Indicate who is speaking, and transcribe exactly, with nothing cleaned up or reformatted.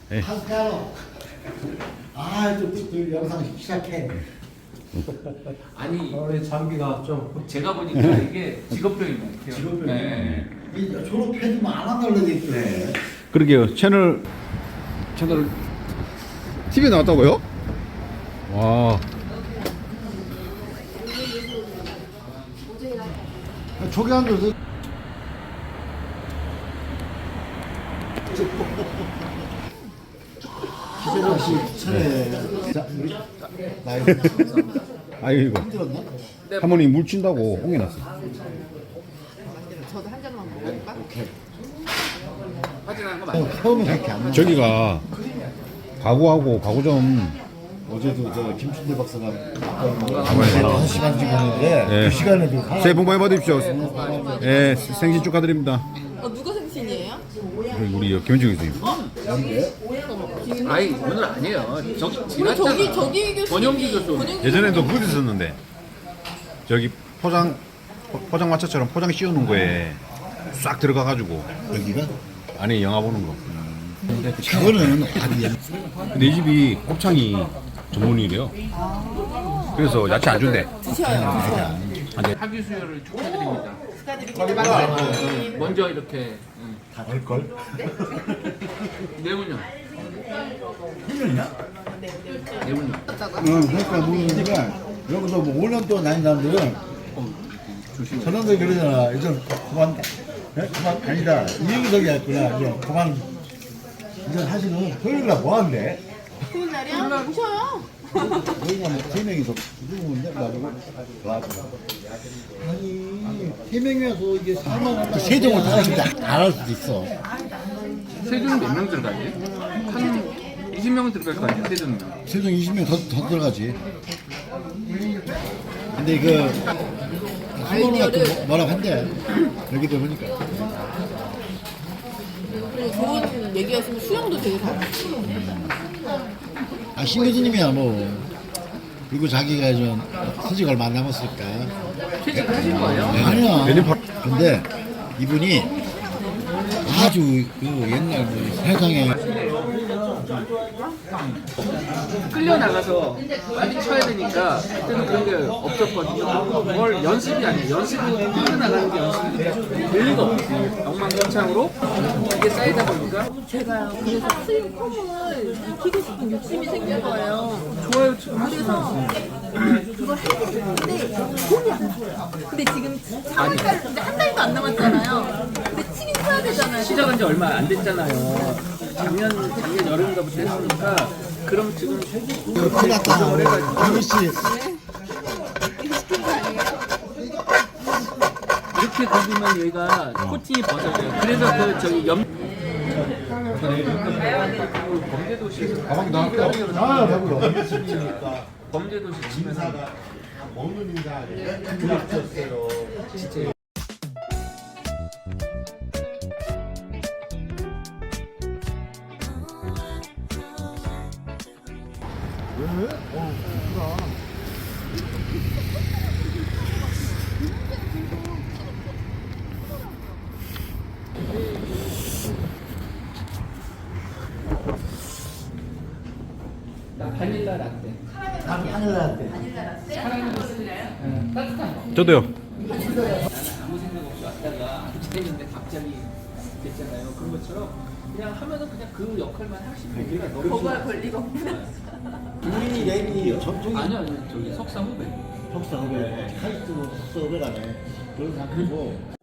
Speaker 1: 예.
Speaker 2: 한가로. 아, 또, 또, 또 영상 시작해.
Speaker 3: 아니
Speaker 4: 원래 장비가 좀
Speaker 3: 제가 보니까 이게 직업병인 것 같아요.
Speaker 2: 직업병.
Speaker 3: 네.
Speaker 2: 이 졸업해도 안 한다고 그러겠대.
Speaker 1: 그러게요. 채널 채널 티비에 나왔다고요? 와.
Speaker 2: 저기 앉아서. 기재랑 씨 차례. 자, 우리 나 이거
Speaker 1: 아유 이거
Speaker 2: 힘들었나?
Speaker 1: 할머니 물 친다고 옹해놨어.
Speaker 5: 저도 한 잔만 먹을까?
Speaker 3: 확인하는 거 맞아요.
Speaker 2: 처음에 그렇게 안 나.
Speaker 1: 저기가 가구하고 가구점
Speaker 2: 어제도 저 김춘대 박사가
Speaker 1: 가만히
Speaker 2: 다섯 시간 찍고 있는데
Speaker 1: 네.
Speaker 2: 그 시간에 그
Speaker 1: 새해 복 많이 받으십시오. 예, 생신 축하드립니다.
Speaker 5: 어, 누가 생신이에요?
Speaker 1: 우리 우리 김현중 교수님.
Speaker 3: 아니 오늘 아니에요. 저기
Speaker 5: 우리
Speaker 3: 지났잖아.
Speaker 5: 저기 저기 교수
Speaker 3: 권영기 교수.
Speaker 1: 예전에도 그거 있었는데 저기 포장 포- 포장마차처럼 포장 씌우는 거에 싹 들어가가지고
Speaker 2: 여기가
Speaker 1: 안에 영화 보는 거.
Speaker 2: 그거는 아니야.
Speaker 1: 근데 이 집이 곱창이 전문이래요. 그래서 야채 안 준대.
Speaker 5: 드셔요. 드셔요.
Speaker 3: 학위 수여를 축하드립니다.
Speaker 5: 축하드립니다. 박사님.
Speaker 3: 먼저 이렇게 응.
Speaker 2: 다 될 걸.
Speaker 3: 내분요.
Speaker 2: 일 년이야?
Speaker 3: 내분요.
Speaker 2: 응, 그러니까 모르는데 여기서 뭐 오 년 동안 다닌 사람들은 저놈들 그러잖아. 이제 그만, 네? 그만 아니다. 이행석이 했구나. 이제 그만. 이제 사실은 토요일 날 뭐 한대?
Speaker 5: 좋은 날이야? 오셔요.
Speaker 2: 저희가 뭐세 명이서 누구인데 나보고 와서 아니 세 명이서 이게 사만 원 세종을 다 진짜 안할 수도 있어.
Speaker 3: 세준은 몇 명 들어가지? 한 이십 명은 들어갈 거 아니야 세준은.
Speaker 2: 세종 이십 명 더 더 들어가지. 근데 그 수고는 뭐라고 한대 여기도 보니까.
Speaker 5: 그리고 좋은 얘기였으면 수영도 되게 잘하시고.
Speaker 2: 아 신교수님이야 뭐. 그리고 자기가 좀 퇴직 얼마 안 남았을까.
Speaker 3: 퇴직하신 거예요?
Speaker 2: 네, 아니야.
Speaker 1: 내년 바-
Speaker 2: 근데 이분이 아주 그 옛날 그 세상에
Speaker 3: 끌려 나가서 빨리 쳐야 되니까 그때는 그런 게 없었거든요. 뭘 연습이 아니에요. 연습으로 끌려 나가는 게 연습이 될 리가 없어요. 엉망진창으로 이게 쌓이다 보니까
Speaker 5: 제가요. 그래서 스윙폼을 익히고 싶은 욕심이 생긴 거예요.
Speaker 3: 좋아요 지금
Speaker 5: 그래서 그걸 하고 싶은데 돈이 안 나요. 근데 지금 한 달, 근데 한 달도 안 남았잖아요. 근데 치긴 쳐야 되잖아요.
Speaker 3: 시작한 지 얼마 안 됐잖아요. 작년 작년 여름부터 했으니까 그럼 지금
Speaker 2: 큰일 났다. 김희 씨.
Speaker 3: 이렇게 긁으면 얘가 코팅이 벗어져요. 그래서 그 저기 염 범죄도시
Speaker 2: 가방 나왔다. 아, 배불러.
Speaker 3: 범죄도시 치면서
Speaker 2: 먹는 인사 그랬었어요.
Speaker 3: 진짜
Speaker 2: 왜? 어, 좋구나.
Speaker 3: 바닐라 라떼.
Speaker 2: 나도 하늘한테.
Speaker 3: 따뜻한 거.
Speaker 1: 저도요.
Speaker 3: 아무 생각 없이 왔다가 앉아있는데 갑자기 됐잖아요. 그런 것처럼 그냥 하면은 그냥 그 역할만 하시면 우리가 너무
Speaker 5: 거부할 권리가 없구나.
Speaker 2: 우리 랩이 전통이
Speaker 3: 아니요 아니요 저기 석사 후배.
Speaker 2: 석사 후배 하이스로 석사 후배라네. 그런 사람이고